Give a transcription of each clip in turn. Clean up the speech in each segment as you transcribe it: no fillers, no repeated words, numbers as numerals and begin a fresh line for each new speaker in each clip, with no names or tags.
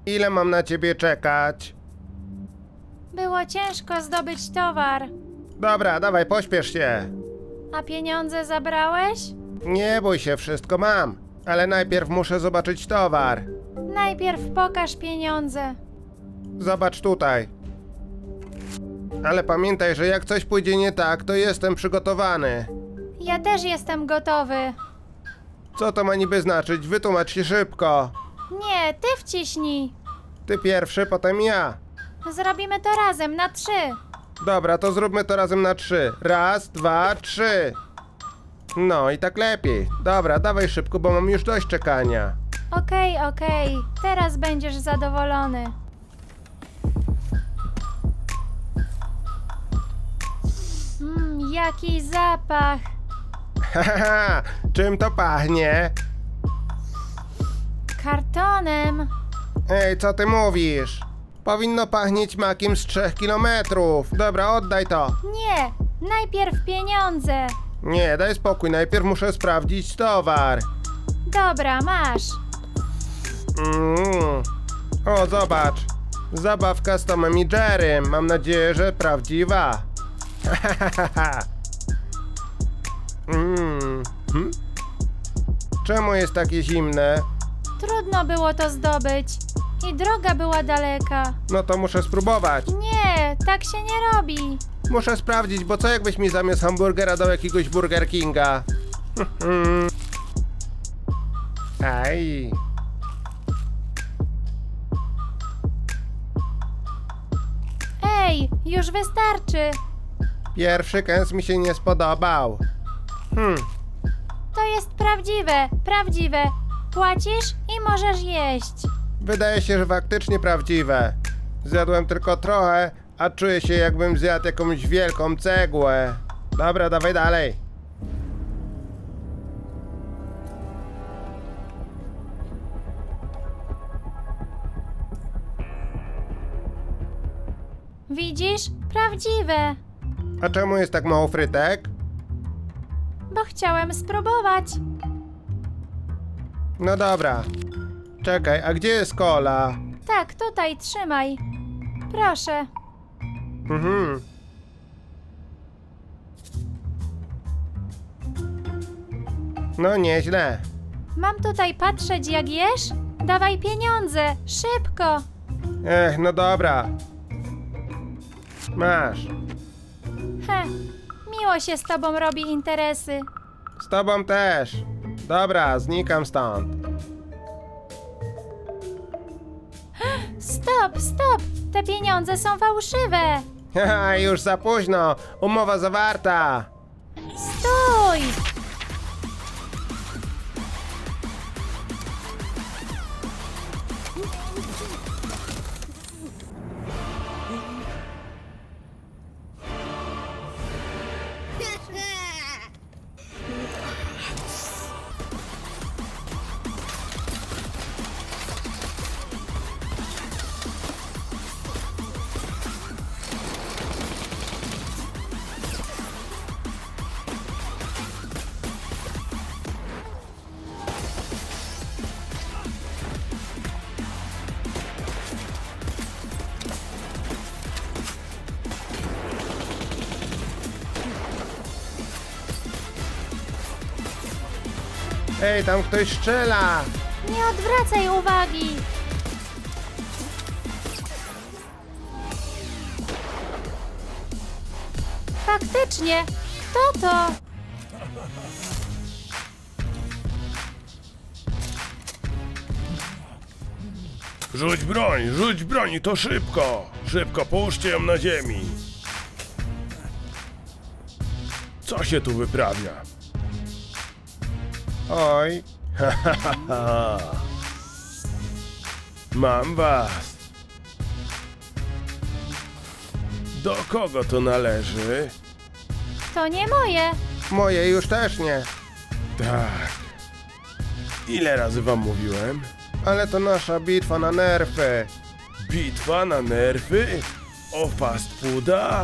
Ile mam na ciebie czekać?
Było ciężko zdobyć towar.
Dobra, dawaj, pośpiesz się.
A pieniądze zabrałeś?
Nie bój się, wszystko mam. Ale najpierw muszę zobaczyć towar.
Najpierw pokaż pieniądze.
Zobacz tutaj. Ale pamiętaj, że jak coś pójdzie nie tak, to jestem przygotowany.
Ja też jestem gotowy.
Co to ma niby znaczyć? Wytłumacz się szybko.
Nie, ty wciśnij.
Ty pierwszy, potem ja.
Zrobimy to razem na 3.
Dobra, to zróbmy to razem na 3. Raz, 2, 3. No i tak lepiej. Dobra, dawaj szybko, bo mam już dość czekania.
Okej. Teraz będziesz zadowolony. Jaki zapach.
Haha, czym to pachnie?
Kartonem.
Ej, co ty mówisz? Powinno pachnieć makiem z 3 kilometrów. Dobra, oddaj to.
Nie, najpierw pieniądze.
Nie, daj spokój, najpierw muszę sprawdzić towar.
Dobra, masz.
O, zobacz. Zabawka z Tomem i Jerrym. Mam nadzieję, że prawdziwa. Czemu jest takie zimne?
Trudno było to zdobyć. I droga była daleka.
No to muszę spróbować.
Nie, tak się nie robi.
Muszę sprawdzić, bo co jakbyś mi zamiast hamburgera dał jakiegoś Burger Kinga? Aj.
Ej, już wystarczy.
Pierwszy kęs mi się nie spodobał.
To jest prawdziwe. Płacisz i możesz jeść.
Wydaje się, że faktycznie prawdziwe. Zjadłem tylko trochę, a czuję się jakbym zjadł jakąś wielką cegłę. Dobra, dawaj dalej.
Widzisz? Prawdziwe.
A czemu jest tak mało frytek?
Bo chciałem spróbować.
No dobra. Czekaj, a gdzie jest kola?
Tak, tutaj trzymaj. Proszę.
No nieźle.
Mam tutaj patrzeć jak jesz? Dawaj pieniądze, szybko.
No dobra. Masz.
Miło się z tobą robi interesy.
Z tobą też. Dobra, znikam stąd.
Stop! Te pieniądze są fałszywe.
Haha, już za późno. Umowa zawarta.
Stój!
Ej, tam ktoś strzela.
Nie odwracaj uwagi. Faktycznie, kto to?
Rzuć broń, to szybko! Szybko, połóżcie ją na ziemi! Co się tu wyprawia?
Oj.
Mam was! Do kogo to należy?
To nie moje.
Moje już też nie.
Tak. Ile razy wam mówiłem?
Ale to nasza bitwa na nerfy.
Bitwa na nerwy? O fast fooda?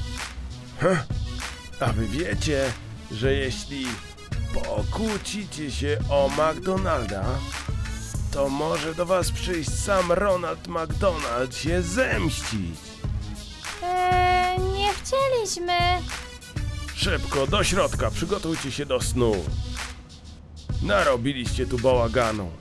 A wy wiecie, że jeśli pokłócicie się o McDonalda, to może do was przyjść sam Ronald McDonald się zemścić.
Nie chcieliśmy.
Szybko, do środka, przygotujcie się do snu. Narobiliście tu bałaganu.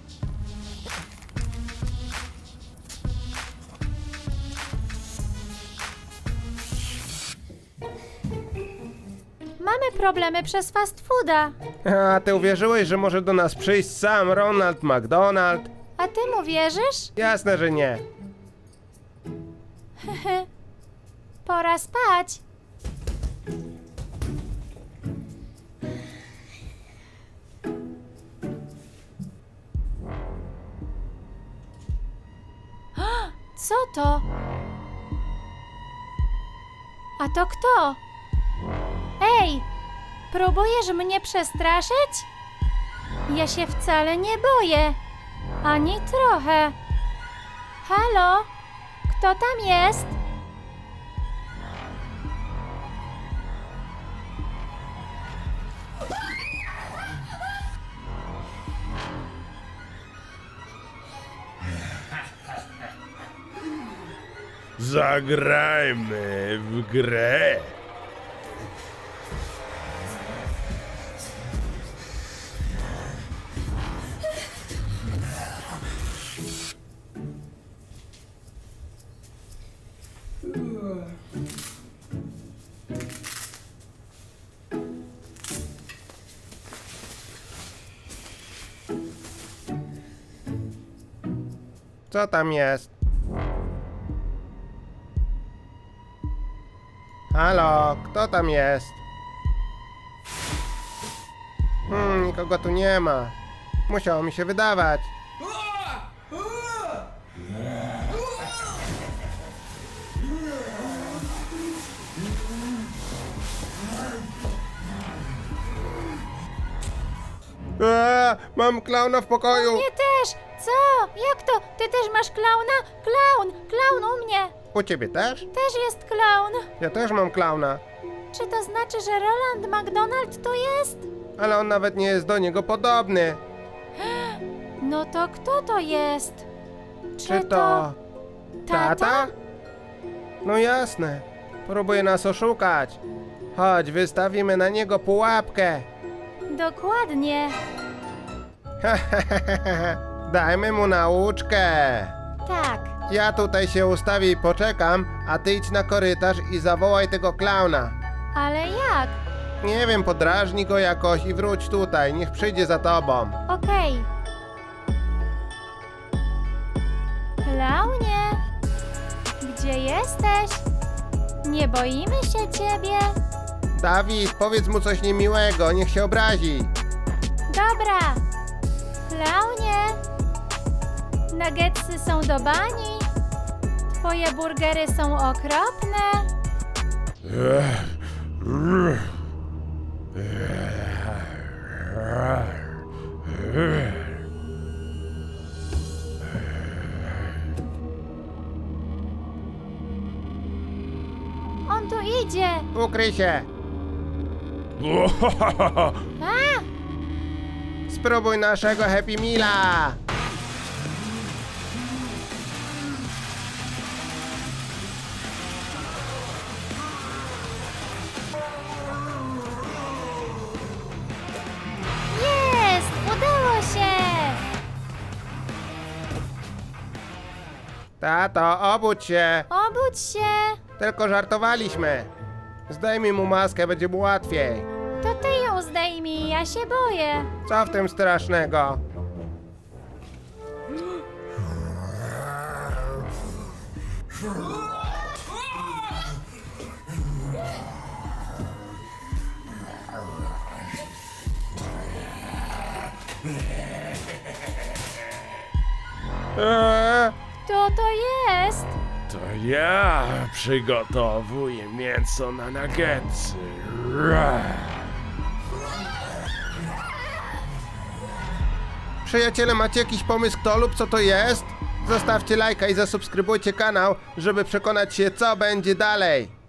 Mamy problemy przez fast fooda.
A ty uwierzyłeś, że może do nas przyjść sam Ronald McDonald?
A ty mu wierzysz?
Jasne, że nie.
Pora spać. Co to? A to kto? Ej! Próbujesz mnie przestraszyć? Ja się wcale nie boję. Ani trochę. Halo? Kto tam jest?
Zagrajmy w grę.
Co tam jest? Halo, kto tam jest? Nikogo tu nie ma. Musiało mi się wydawać. Mam klauna w pokoju.
Nie też! Co? Jak to? Ty też masz klauna? Klaun u mnie!
U ciebie też?
Też jest klaun!
Ja też mam klauna.
Czy to znaczy, że Roland McDonald tu jest?
Ale on nawet nie jest do niego podobny.
No to kto to jest?
Czy to tata? No jasne. Próbuje nas oszukać. Chodź, wystawimy na niego pułapkę.
Dokładnie.
Dajmy mu nauczkę.
Tak.
Ja tutaj się ustawię i poczekam, a ty idź na korytarz i zawołaj tego klauna.
Ale jak?
Nie wiem, podrażnij go jakoś i wróć tutaj, niech przyjdzie za tobą.
Okej. Klaunie, gdzie jesteś? Nie boimy się ciebie?
Dawid, powiedz mu coś niemiłego, niech się obrazi.
Dobra. Klaunie, nuggetsy są do bani. Twoje burgery są okropne. On tu idzie.
Ukryj się.
A!
Spróbuj naszego Happy Meala.
Jest! Udało się!
Tato, obudź się.
Obudź się!
Tylko żartowaliśmy. Zdejmij mu maskę, będzie mu łatwiej.
To ty ją zdejmij, ja się boję.
Co w tym strasznego?
Kto to jest?
To ja przygotowuję mięso na nuggetsy. Ra.
Przyjaciele, macie jakiś pomysł, kto lub co to jest? Zostawcie lajka i zasubskrybujcie kanał, żeby przekonać się, co będzie dalej.